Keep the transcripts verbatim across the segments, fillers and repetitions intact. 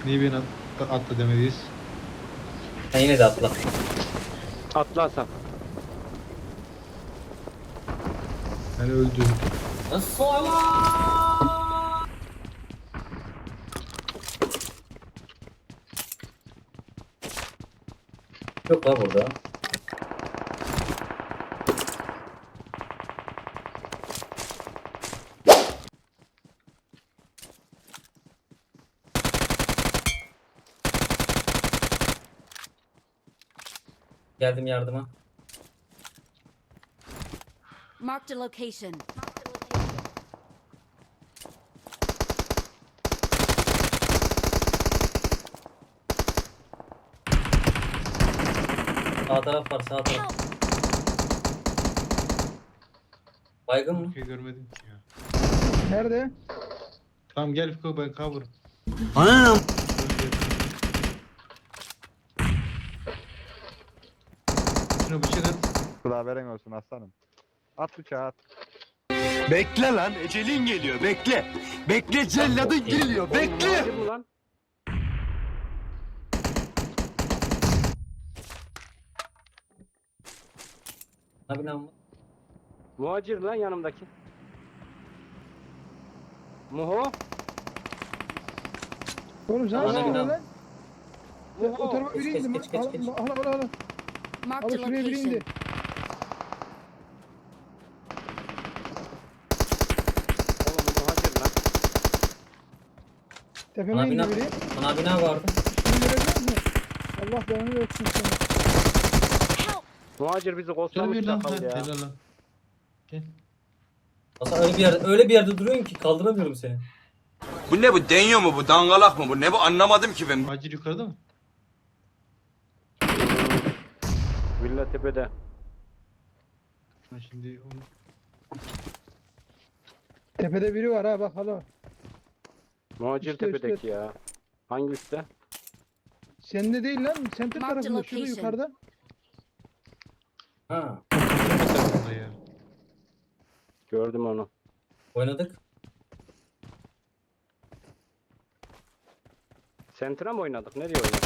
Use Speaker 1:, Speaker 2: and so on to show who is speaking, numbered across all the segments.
Speaker 1: Niye beni at, atla demediyiz?
Speaker 2: Sen yine de atla.
Speaker 3: Atla Hasan.
Speaker 1: Ben öldüm.
Speaker 2: Nasıl? Yok la burada. Geldim yardıma.
Speaker 4: Marked a location.
Speaker 2: Sağ taraf var, sağ taraf.
Speaker 4: Help!
Speaker 2: Baygın mı?
Speaker 1: Bir şey görmedim ki ya.
Speaker 5: Nerede?
Speaker 1: Tamam gel Fiko, ben cover.
Speaker 6: Anam.
Speaker 1: Şuna bıçak at.
Speaker 7: Klaveren olsun aslanım. At bıçağı at.
Speaker 6: Bekle lan, ecelin geliyor, bekle. Bekle, celladın geliyor, bekle.
Speaker 3: Muhacir mi lan?
Speaker 2: Abi lan mı?
Speaker 3: Muhacir lan yanımdaki. Muho.
Speaker 5: Oğlum sen
Speaker 2: Bana
Speaker 5: nasıl
Speaker 2: bir
Speaker 5: lan?
Speaker 2: daha.
Speaker 5: O
Speaker 3: Muho.
Speaker 5: tarafa biri
Speaker 2: Geç,
Speaker 5: indi.
Speaker 2: geç, geç,
Speaker 5: Al
Speaker 2: geç.
Speaker 5: al al al.
Speaker 4: Marked
Speaker 5: Al
Speaker 4: a
Speaker 5: şuraya biri indi.
Speaker 4: location.
Speaker 3: Oğlum bu muhacir lan.
Speaker 5: Tepeme
Speaker 2: Bana
Speaker 5: indi
Speaker 2: bina,
Speaker 5: biri.
Speaker 2: bana bina vardı.
Speaker 5: Şimdi görebiliyor musun? Allah belanı versin sana.
Speaker 4: Help!
Speaker 3: Muhacir bizi
Speaker 1: Gel
Speaker 3: kostlamış
Speaker 1: bir lan.
Speaker 3: çakal
Speaker 1: Ha,
Speaker 3: ya.
Speaker 1: helal lan. Gel.
Speaker 2: Hasan öyle bir yerde, öyle bir yerde duruyorsun ki kaldıramıyorum seni.
Speaker 6: Bu ne bu, deniyor mu bu, dangalak mı bu, ne bu, anlamadım ki ben.
Speaker 1: Acil yukarıda mı?
Speaker 3: Villa tepede.
Speaker 1: Ha, şimdi onu...
Speaker 5: Tepede biri var ha bak hala.
Speaker 3: Muhacir
Speaker 5: Üstte,
Speaker 3: tepedeki
Speaker 5: üstte.
Speaker 3: ya. Hangi üstte?
Speaker 5: Sende değil lan. Center
Speaker 4: Marked
Speaker 5: tarafında. Şurada
Speaker 4: location.
Speaker 5: yukarıda.
Speaker 2: Ha,
Speaker 1: Burada ya.
Speaker 3: Gördüm onu.
Speaker 2: oynadık.
Speaker 3: Sentra mı oynadık? Nereye oynadık?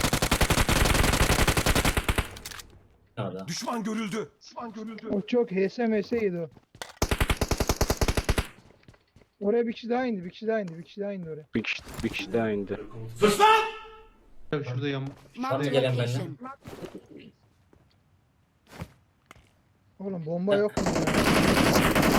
Speaker 2: Nerede?
Speaker 6: Düşman görüldü. Düşman görüldü.
Speaker 5: O çok H S M S ydi o. Oraya bir kişi daha indi. Bir kişi daha indi. Bir kişi daha indi oraya.
Speaker 3: Bir kişi, bir kişi daha indi.
Speaker 1: Tabii şurada yan...
Speaker 4: Marked a
Speaker 2: gelen benimle.
Speaker 4: location.
Speaker 5: Oğlum bomba yok mu ya?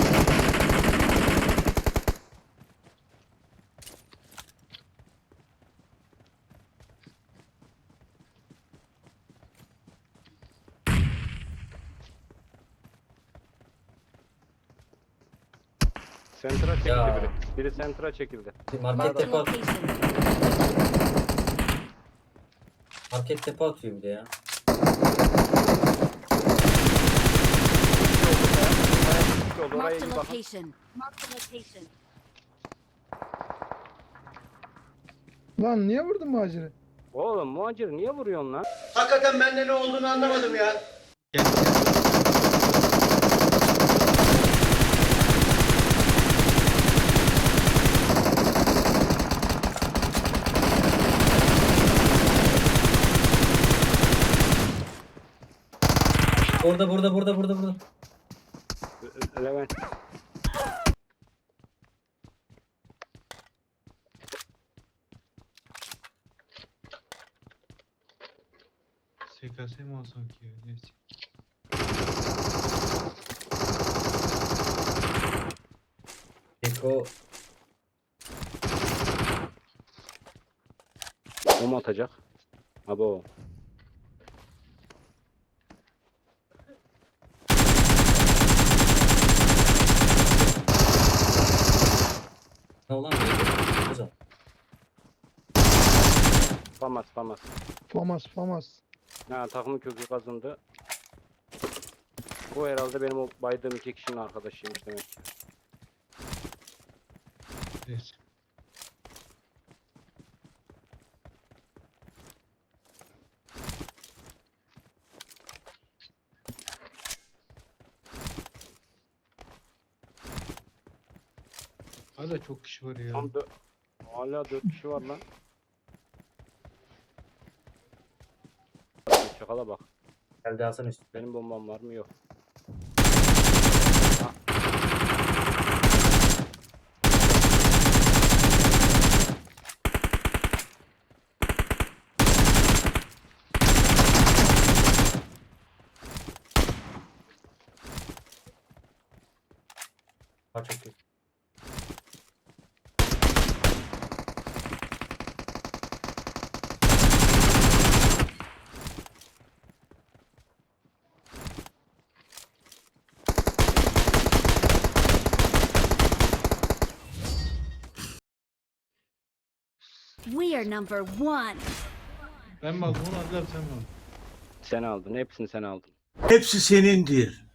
Speaker 3: Sentra çekildi
Speaker 2: Ya.
Speaker 3: biri. Biri sentra çekildi.
Speaker 2: Market
Speaker 4: Marked a
Speaker 2: tepe, at,
Speaker 4: location.
Speaker 2: market tepe atıyor bir de ya.
Speaker 3: İki oldu. Oraya
Speaker 4: Marked
Speaker 3: iyi
Speaker 4: a
Speaker 3: bakın.
Speaker 4: location. Marked a location.
Speaker 5: Lan niye vurdun muhaciri?
Speaker 3: Oğlum muhacir niye vuruyorsun lan?
Speaker 6: Hakikaten bende ne olduğunu anlamadım ya.
Speaker 1: Gel, gel.
Speaker 2: Burada, burada, burada, burada, burada.
Speaker 3: Levent.
Speaker 1: S K S mi alsam ki ya? Neyse.
Speaker 2: Eko
Speaker 3: O mu atacak? Abo.
Speaker 2: ne olan güzel.
Speaker 3: Famas famas.
Speaker 5: Famas famas.
Speaker 3: Ha takımın kökü kazındı. Bu herhalde benim o baydığım iki kişinin arkadaşıymış demek ki.
Speaker 1: Neyse. Hala çok kişi var ya.
Speaker 3: Tam dö- Hala dört kişi var lan. Çakala bak.
Speaker 2: Geldi Hasan üstü.
Speaker 3: Benim bombam var mı? Yok.
Speaker 2: Ha çok iyi.
Speaker 4: We are number one.
Speaker 1: Ben mi aldım onu, Adil abi sen mi aldın?
Speaker 3: Sen aldın. Hepsini sen aldın.
Speaker 6: Hepsi senindir.